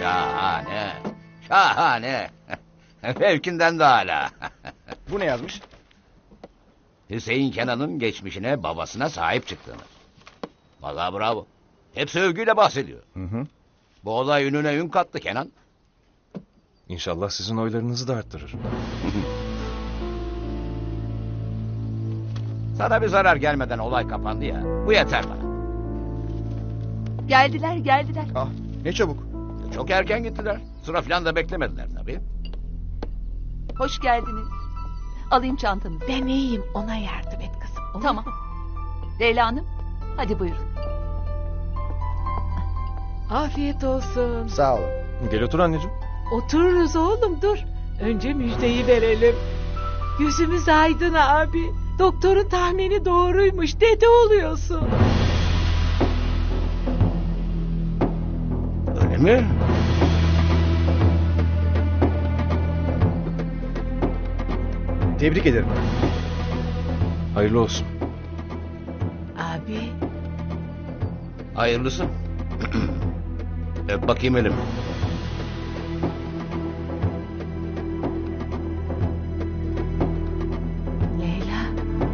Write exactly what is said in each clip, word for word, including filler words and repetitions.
Şahane. Şahane. Fevkinden de hala. Bu ne yazmış? Hüseyin Kenan'ın geçmişine, babasına sahip çıktığını. Vallahi bravo. Hepsi övgüyle bahsediyor. Hı hı. Bu olay ününe ün kattı Kenan. İnşallah sizin oylarınızı da arttırır. Sana bir zarar gelmeden olay kapandı ya. Bu yeter bana. Geldiler geldiler. Ah, ne çabuk. Çok erken gittiler. Sıra falan da beklemediler tabii. Hoş geldiniz. Alayım çantanızı. Ben iyiyim, ona yardım et kızım. olur Tamam. mu? Leyla Hanım hadi buyurun. Afiyet olsun. Sağ olun. Gel otur anneciğim. Otururuz oğlum, dur. Önce müjdeyi verelim. Yüzümüz aydın abi. Doktorun tahmini doğruymuş. Dede oluyorsun. Öyle mi? Tebrik ederim. Hayırlı olsun. Abi. Hayırlısı. Öp bakayım elimi. Leyla.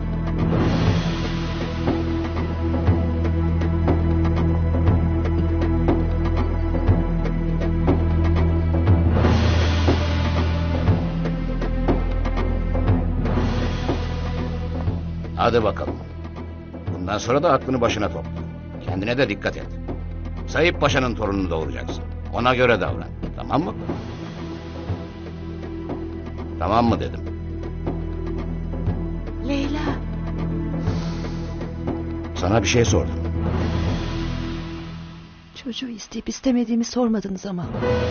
Hadi bakalım. Bundan sonra da aklını başına topla. Kendine de dikkat et. Sayıp Paşa'nın torununu doğuracaksın. Ona göre davran. Tamam mı? Tamam mı dedim. Leyla. Sana bir şey sordum. Çocuğu isteyip istemediğimi sormadınız ama.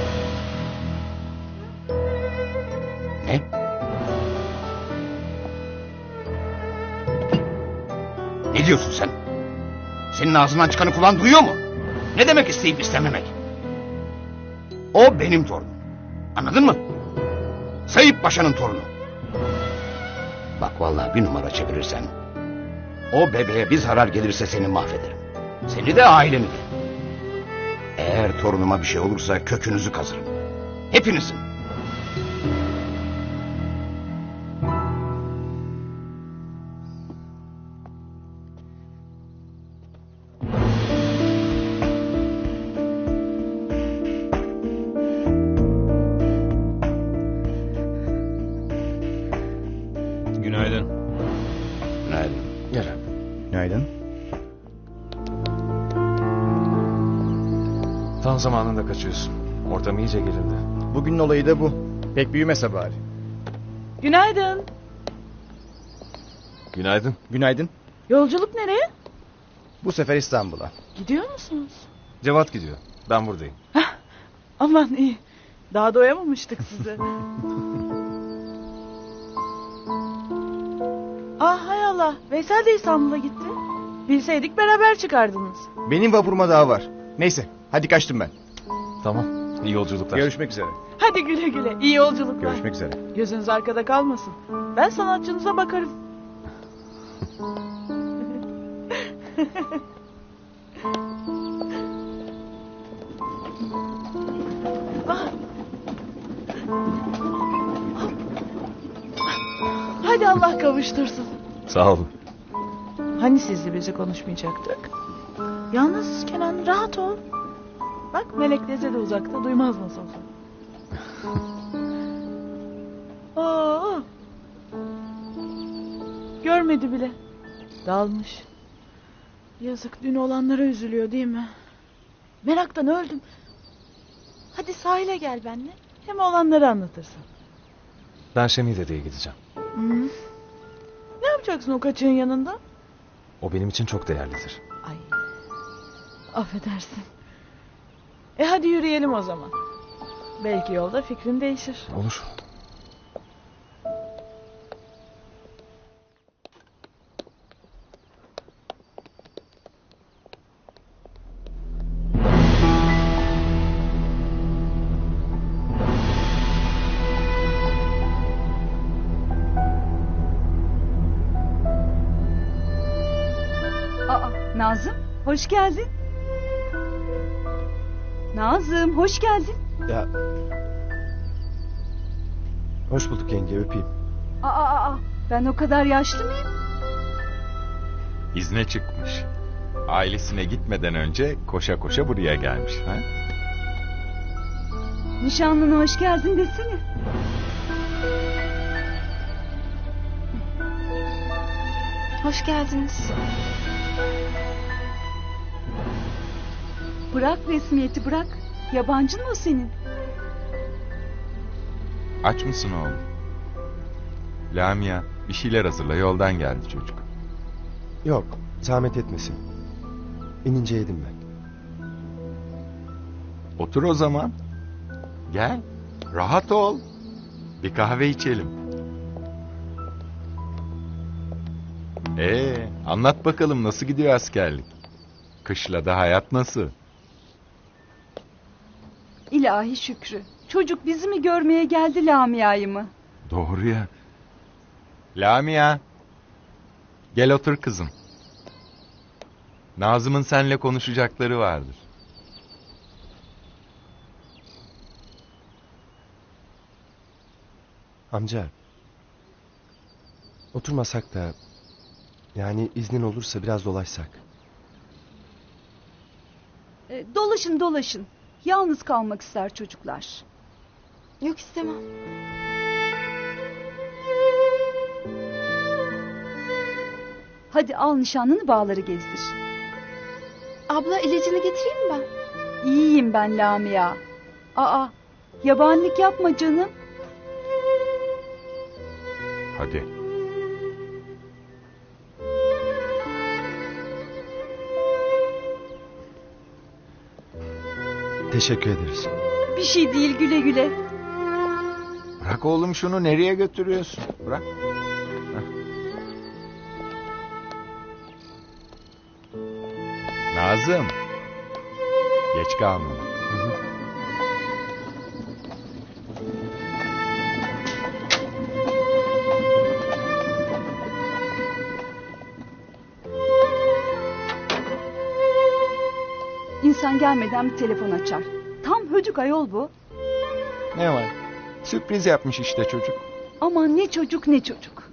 Ne? Ne diyorsun sen? Senin ağzından çıkanı kulağın duyuyor mu? Ne demek isteyip istememek? O benim torunum. Anladın mı? Sayıp Paşa'nın torunu. Bak vallahi bir numara çevirirsen... ...o bebeğe bir zarar gelirse seni mahvederim. Seni de aileni de. Eğer torunuma bir şey olursa kökünüzü kazırım. Hepinizin. Günaydın. Günaydın. Gel abi. Günaydın. Tam zamanında kaçıyorsun. Ortam iyice gerildi. Bugünün olayı da bu. Pek büyümese bari. Günaydın. Günaydın. Günaydın. Yolculuk nereye? Bu sefer İstanbul'a. Gidiyor musunuz? Cevat gidiyor. Ben buradayım. Aman iyi. Daha doyamamıştık size. Ah hay Allah. Veysel de İstanbul'a gitti. Bilseydik beraber çıkardınız. Benim vapuruma daha var. Neyse, hadi kaçtım ben. Tamam. İyi yolculuklar. Görüşmek üzere. Hadi güle güle. İyi yolculuklar. Görüşmek üzere. Gözünüz arkada kalmasın. Ben sanatçınıza bakarım. Ah. Hadi Allah kavuştursun. Sağ olun. Hani sizle bizi konuşmayacaktık? Yalnız Kenan rahat ol. Bak Melek teyze de uzakta, duymaz nasıl olsa. Aa, görmedi bile. Dalmış. Yazık, dün olanlara üzülüyor değil mi? Meraktan öldüm. Hadi sahile gel benimle. Hem olanları anlatırsın. Ben Şemil dedeye gideceğim. Hı. Ne yapacaksın o kaçığın yanında? O benim için çok değerlidir. Ay. Affedersin. E hadi yürüyelim o zaman. Belki yolda fikrin değişir. Olur. Aa, Nazım hoş geldin. Nazım hoş geldin. Ya... Hoş bulduk yenge, öpeyim. Aa, aa, aa, ben o kadar yaşlı mıyım? İzne çıkmış. Ailesine gitmeden önce koşa koşa buraya gelmiş. Ha? Nişanlına hoş geldin desene. Hoş geldiniz. Bırak resmiyeti bırak. Yabancın mı o senin? Aç mısın oğlum? Lamia bir şeyler hazırla, yoldan geldi çocuk. Yok, zahmet etmesin. İnince yedim ben. Otur o zaman. Gel. Rahat ol. Bir kahve içelim. Ee, anlat bakalım nasıl gidiyor askerlik? Kışlada hayat nasıl? İlahi Şükrü. Çocuk bizi mi görmeye geldi Lamia'yı mı? Doğru ya. Lamia. Gel otur kızım. Nazım'ın seninle konuşacakları vardır. Amca. Oturmasak da... Yani iznin olursa biraz dolaşsak. E, dolaşın dolaşın. Yalnız kalmak ister çocuklar. Yok istemem. Hadi al nişanlını bağları gezdir. Abla ilacını getireyim mi ben? İyiyim ben Lamia. Aa, yabanlık yapma canım. Hadi. Teşekkür ederiz. Bir şey değil güle güle. Bırak oğlum şunu, nereye götürüyorsun? Bırak. Heh. Nazım. Geç kalma. Hı hı. İnsan gelmeden bir telefon açar. Tam hödük ayol bu. Ne var? Sürpriz yapmış işte çocuk. Aman ne çocuk ne çocuk.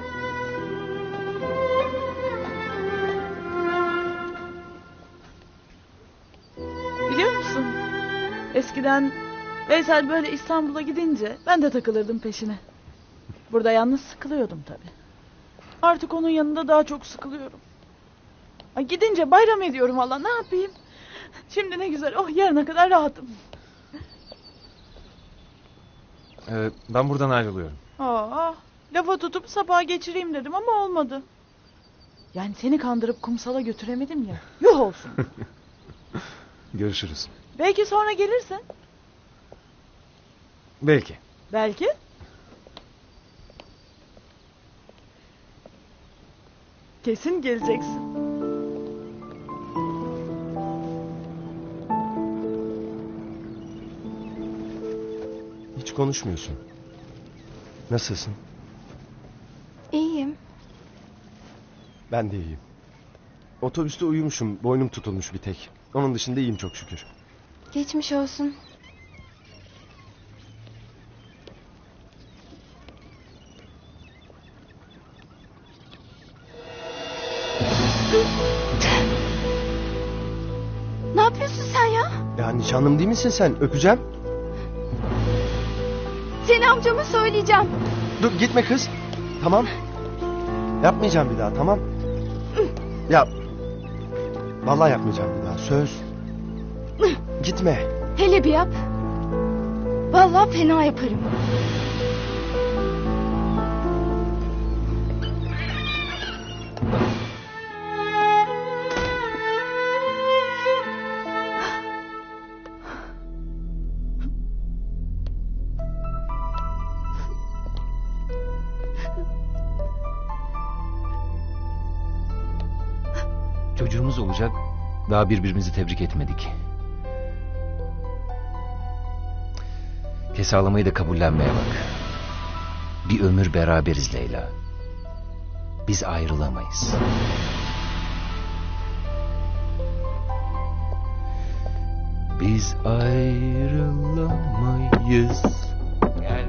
Biliyor musun? Eskiden Veysel böyle İstanbul'a gidince ben de takılırdım peşine. Burada yalnız sıkılıyordum tabii. Artık onun yanında daha çok sıkılıyorum. Ay gidince bayram ediyorum valla, ne yapayım? Şimdi ne güzel, oh yarına kadar rahatım. Ee, ben buradan ayrılıyorum. Aa, lafa tutup sabaha geçireyim dedim ama olmadı. Yani seni kandırıp kumsala götüremedim ya. Yuh olsun. Görüşürüz. Belki sonra gelirsin. Belki. Belki. Kesin geleceksin. Hiç konuşmuyorsun. Nasılsın? İyiyim. Ben de iyiyim. Otobüste uyumuşum, boynum tutulmuş bir tek. Onun dışında iyiyim çok şükür. Geçmiş olsun. Ne yapıyorsun sen ya? Ya nişanlım değil misin sen? Öpeceğim. Seni amcama söyleyeceğim. Dur gitme kız. Tamam. Yapmayacağım bir daha, tamam. Ya. Vallahi yapmayacağım bir daha, söz. Gitme. Hele bir yap. Vallahi fena yaparım. Çocuğumuz olacak. Daha birbirimizi tebrik etmedik. Kes ağlamayı da kabullenmeye bak. Bir ömür beraberiz Leyla. Biz ayrılamayız. Biz ayrılamayız. Gel.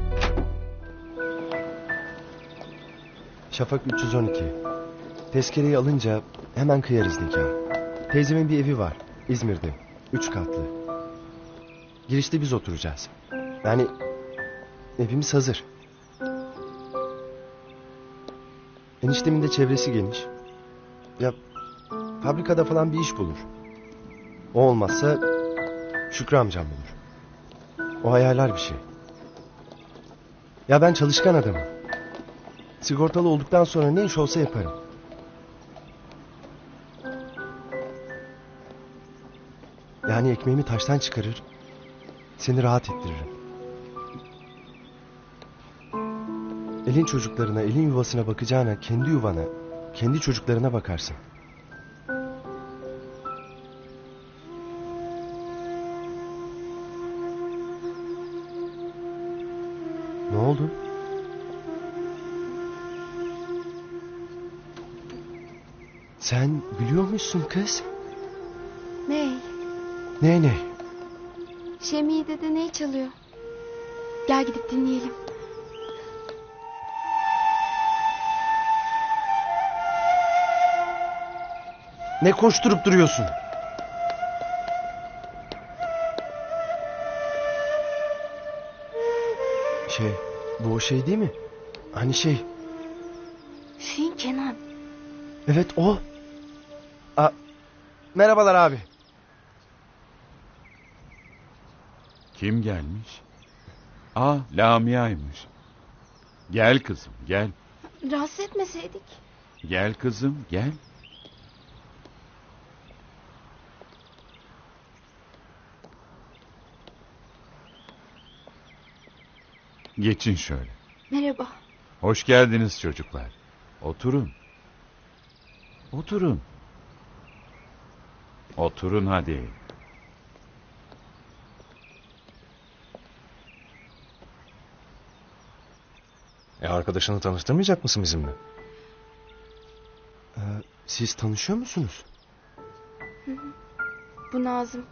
Şafak üç yüz on iki. Tezkereyi alınca hemen kıyarız nikah. Teyzemin bir evi var. İzmir'de. Üç katlı. Girişte biz oturacağız. Yani evimiz hazır. Eniştemin de çevresi geniş. Ya fabrikada falan bir iş bulur. O olmazsa Şükrü amcam bulur. O hayaller bir şey. Ya ben çalışkan adamım. Sigortalı olduktan sonra ne iş olsa yaparım. Yani ekmeğimi taştan çıkarır, seni rahat ettiririm. Elin çocuklarına, elin yuvasına bakacağına kendi yuvana, kendi çocuklarına bakarsın. Ne oldu? Sen biliyormuşsun kız. Ney? Ne ne? Şemiye dede ne çalıyor? Gel gidip dinleyelim. Ne koşturup duruyorsun? Şey, bu o şey değil mi? Hani şey, Hüseyin Kenan. evet o. A, merhabalar abi. Kim gelmiş? Aa, Lamia'ymış. Gel kızım, gel. Rahatsız etmeseydik. Gel kızım, gel. Geçin şöyle. Merhaba. Hoş geldiniz çocuklar. Oturun. Oturun. Oturun hadi. E arkadaşını tanıştırmayacak mısın bizimle? Ee, siz tanışıyor musunuz? Bu Nazım.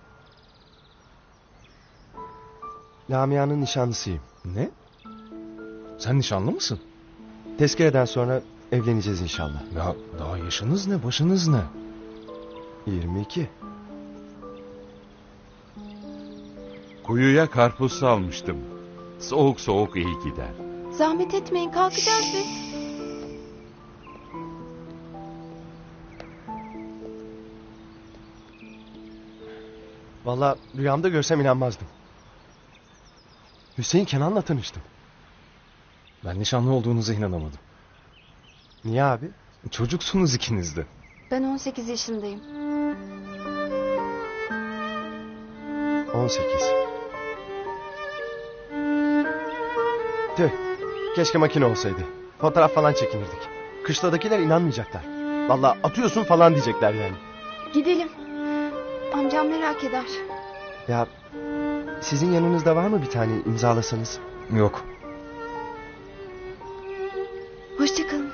Lamia'nın nişanlısıyım. Ne? Sen nişanlı mısın? Tezkereden sonra evleneceğiz inşallah. Ya daha yaşınız ne, başınız ne? yirmi iki. Kuyuya karpuz salmıştım. Soğuk soğuk iyi gider. Zahmet etmeyin, kalkacağız biz. Vallahi rüyamda görsem inanmazdım. Hüseyin Kenan'la tanıştım. Ben nişanlı olduğunuza inanamadım. Niye abi? Çocuksunuz ikiniz de. Ben on sekiz yaşındayım. on sekiz. Tüh. Keşke makine olsaydı. Fotoğraf falan çekinirdik. Kışladakiler inanmayacaklar. Vallahi atıyorsun falan diyecekler yani. Gidelim. Amcam merak eder. Ya sizin yanınızda var mı bir tane imzalasanız? Yok. Hoşçakalın.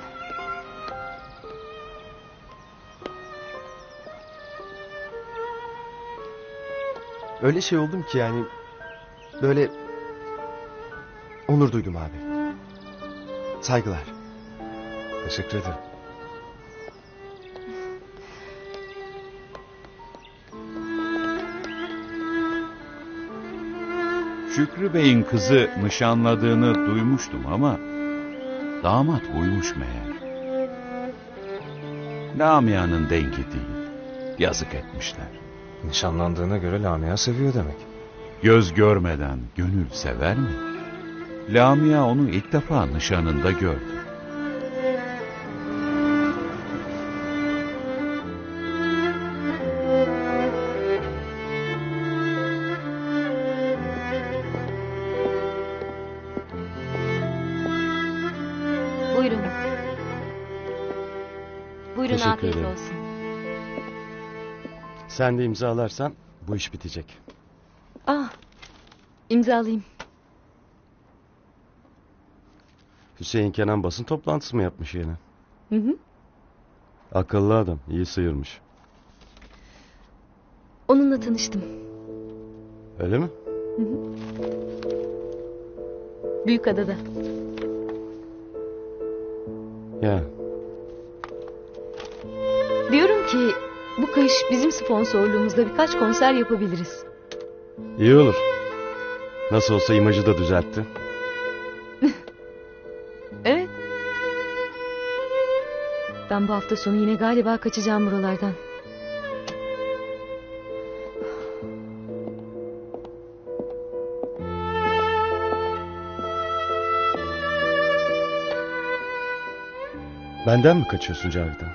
Öyle şey oldum ki yani böyle onur duydum abi. Saygılar. Teşekkür ederim. Şükrü Bey'in kızı nişanladığını duymuştum ama damat buymuş meğer. Lamia'nın dengi değil. Yazık etmişler. Nişanlandığına göre Lamia seviyor demek. Göz görmeden gönül sever mi? Lamia onu ilk defa nişanında gördü. Buyurun. Buyurun, Teşekkür afiyet ederim. olsun. Sen de imzalarsan bu iş bitecek. Ah, imzalayayım. Hüseyin Kenan basın toplantısı mı yapmış yine? Hı hı. Akıllı adam, iyi sıyırmış. Onunla tanıştım. Öyle mi? Büyükada'da. Ya. Diyorum ki bu kış bizim sponsorluğumuzda birkaç konser yapabiliriz. İyi olur. Nasıl olsa imajı da düzeltti. Evet. Ben bu hafta sonu yine galiba kaçacağım buralardan. Benden mi kaçıyorsun Cavidan?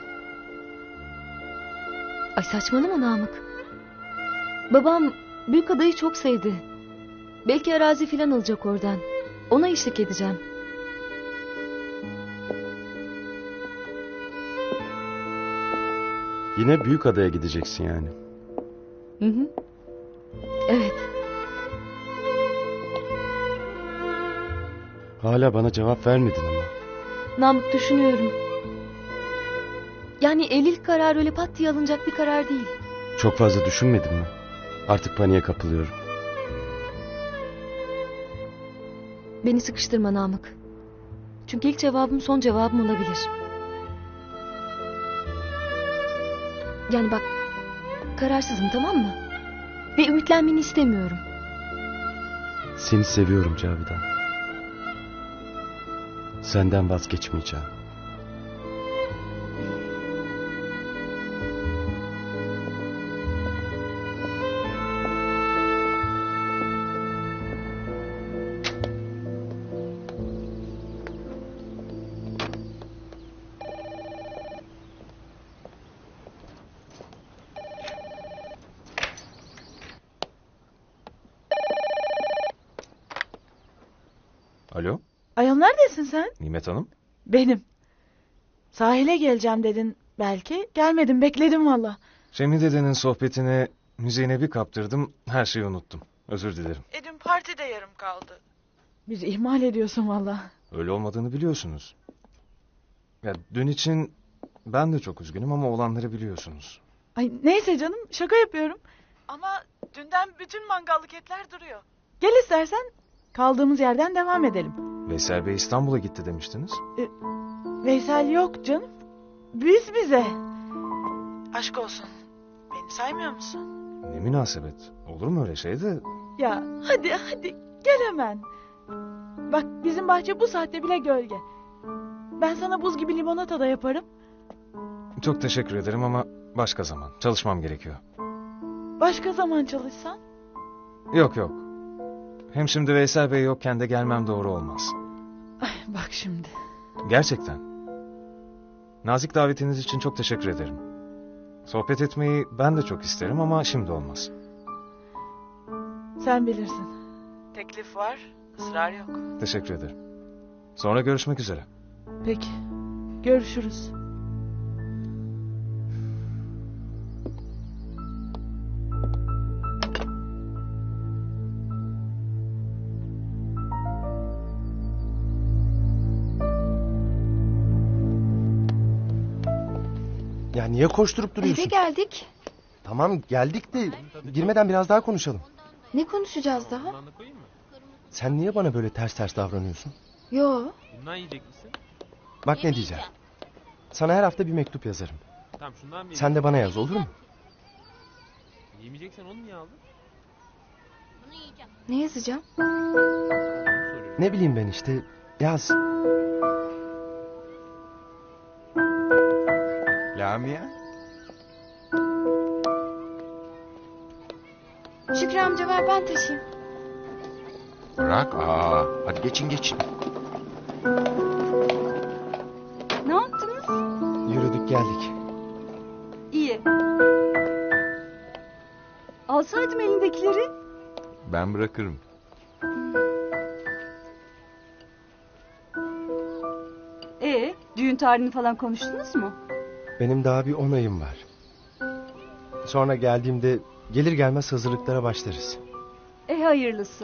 Ay saçmalama Namık. Babam Büyükada'yı çok sevdi. Belki arazi filan alacak oradan. Ona eşlik edeceğim. Yine Büyükada'ya gideceksin yani. Hı hı. Evet. Hala bana cevap vermedin ama. Namık düşünüyorum. Yani evlilik kararı öyle pat diye alınacak bir karar değil. Çok fazla düşünmedin mi? Artık paniğe kapılıyorum. Beni sıkıştırma Namık. Çünkü ilk cevabım son cevabım olabilir. Yani bak, kararsızım, tamam mı? Ve ümitlenmeni istemiyorum. Seni seviyorum Cavidan. Senden vazgeçmeyeceğim. Alo, Ayol neredesin sen? Nimet Hanım. Benim. Sahile geleceğim dedin belki. Gelmedim, bekledim valla. Cemil dedenin sohbetine, müziğine bir kaptırdım, her şeyi unuttum. Özür dilerim. E dün parti de yarım kaldı. Bizi ihmal ediyorsun valla. Öyle olmadığını biliyorsunuz. Ya dün için ben de çok üzgünüm ama olanları biliyorsunuz. Ay neyse canım, şaka yapıyorum. Ama dünden bütün mangallık etler duruyor. Gel istersen kaldığımız yerden devam edelim. Veysel Bey İstanbul'a gitti demiştiniz. Veysel yok canım. Biz bize. Aşk olsun. Beni saymıyor musun? Ne münasebet. Olur mu öyle şey de? Ya hadi hadi gel hemen. Bak bizim bahçe bu saatte bile gölge. Ben sana buz gibi limonata da yaparım. Çok teşekkür ederim ama başka zaman. Çalışmam gerekiyor. Başka zaman çalışsan. Yok yok. Hem şimdi Veysel Bey yokken de gelmem doğru olmaz. Ay bak şimdi. Gerçekten. Nazik davetiniz için çok teşekkür ederim. Sohbet etmeyi ben de çok isterim ama şimdi olmaz. Sen bilirsin. Teklif var, ısrar yok. Teşekkür ederim. Sonra görüşmek üzere. Peki. Görüşürüz. Ya niye koşturup duruyorsun? Eve geldik. Tamam geldik de girmeden biraz daha konuşalım. Ne konuşacağız daha? Sen niye bana böyle ters ters davranıyorsun? Yo. Bundan yiyecek misin? Bak ne diyeceğim. Sana her hafta bir mektup yazarım. Tamam şundan mı Sen de bana yaz, olur mu? Yemeyeceksen onu niye aldın? Ne yazacağım? Ne bileyim ben işte, yaz. Lamia? Şükrü amca ver ben taşıyayım. Bırak, aa, hadi geçin geçin. Ne yaptınız? Yürüdük geldik. İyi. Alsaydım elindekileri. Ben bırakırım. Ee, düğün tarihini falan konuştunuz mu? Benim daha bir on ayım var. Sonra geldiğimde gelir gelmez hazırlıklara başlarız. E hayırlısı.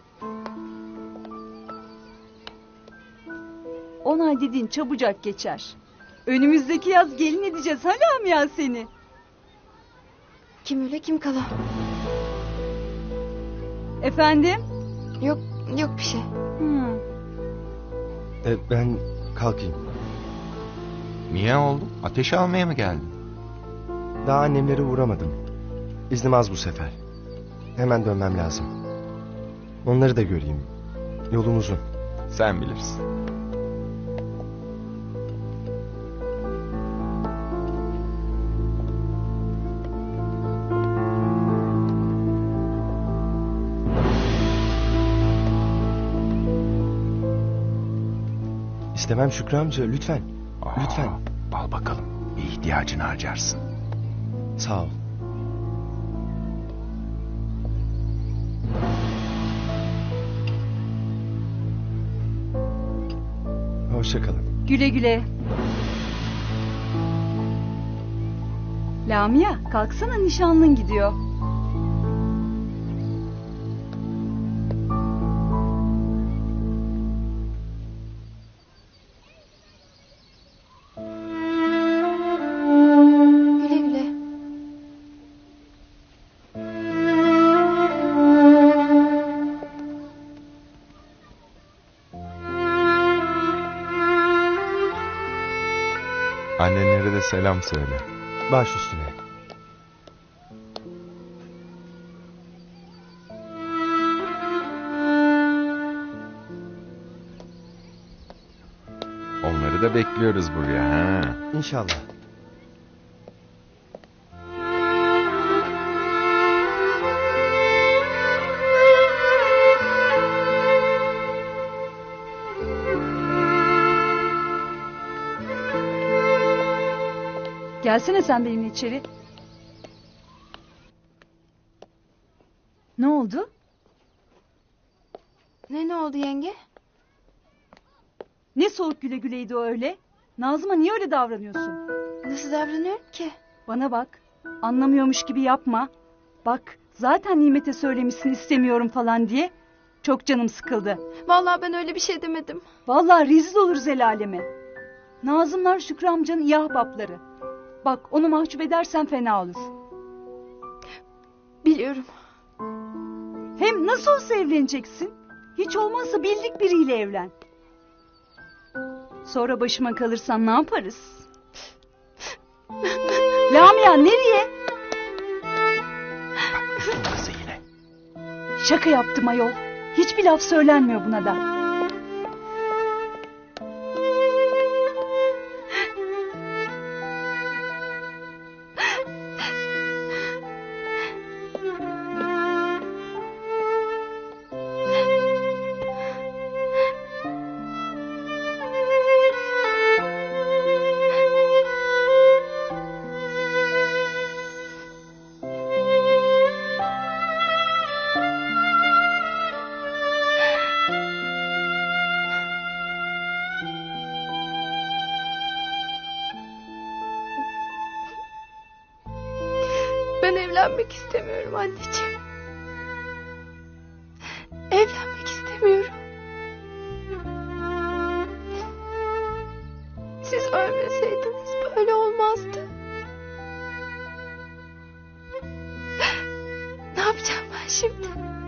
On ay dediğin çabucak geçer. Önümüzdeki yaz gelin edeceğiz ha Lamia seni. Kim öyle kim kala. Efendim? Yok, yok bir şey. Hmm. E, ben kalkayım. Niye oğlum? Ateş almaya mı geldin? Daha annemlere uğramadım. İznim az bu sefer. Hemen dönmem lazım. Onları da göreyim. Yolum uzun. Sen bilirsin. İstemem Şükrü amca, lütfen. Lütfen. Al bakalım. Bir ihtiyacını harcarsın. Sağ ol. Hoşça kalın. Güle güle. Lamia, kalksana, nişanlın gidiyor. Güle güle. Annenlere de selam söyle. Baş üstüne. Onları da bekliyoruz buraya ha. İnşallah. Gelsene sen benimle içeri. Ne oldu? Ne ne oldu yenge? Ne soğuk güle güleydi o öyle? Nazım'a niye öyle davranıyorsun? Nasıl davranıyorum ki? Bana bak. Anlamıyormuş gibi yapma. Bak, zaten Nimet'e söylemişsin istemiyorum falan diye. Çok canım sıkıldı. Vallahi ben öyle bir şey demedim. Vallahi rezil oluruz el aleme. Nazımlar Şükrü amcanın iyi ahbapları. Bak, onu mahcup edersen fena olur. Biliyorum. Hem nasıl olsa evleneceksin. Hiç olmazsa bildik biriyle evlen. Sonra başıma kalırsan ne yaparız? Lamia, nereye? Kızı yine. Şaka yaptım ayol. Hiçbir laf söylenmiyor buna da. Ben evlenmek istemiyorum anneciğim. Evlenmek istemiyorum. Siz ölmeseydiniz böyle olmazdı. Ne yapacağım ben şimdi?